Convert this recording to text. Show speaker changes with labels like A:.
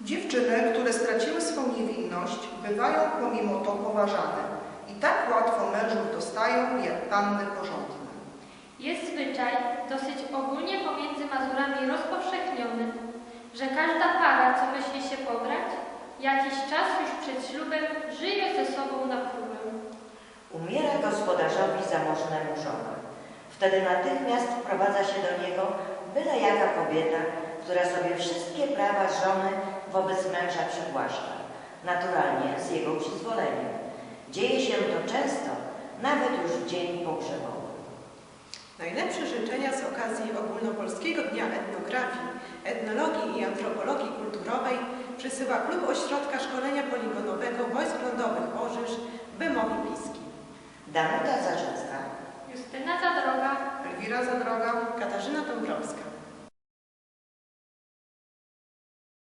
A: Dziewczyny, które straciły swą niewinność, bywają pomimo to poważane i tak łatwo mężów dostają jak panny porządne.
B: Jest zwyczaj dosyć ogólnie pomiędzy Mazurami rozpowszechniony, że każda para, co myśli się pobrać, jakiś czas już przed ślubem żyje ze sobą na próbę.
C: Umiera gospodarzowi zamożnemu żona. Wtedy natychmiast wprowadza się do niego byle jaka kobieta, która sobie wszystkie prawa żony wobec męża przywłaszcza, naturalnie z jego przyzwoleniem. Dzieje się to często, nawet już w dzień pogrzebowy.
D: Najlepsze życzenia z okazji Ogólnopolskiego Dnia Etnografii, Etnologii i Antropologii Kulturowej przysyła Klub Ośrodka Szkolenia Poligonowego Wojsk Lądowych Orzysz w Bemowie Piski.
C: Danuta Zarzecka,
B: Justyna Zadroga,
A: Elwira Zadroga,
D: Katarzyna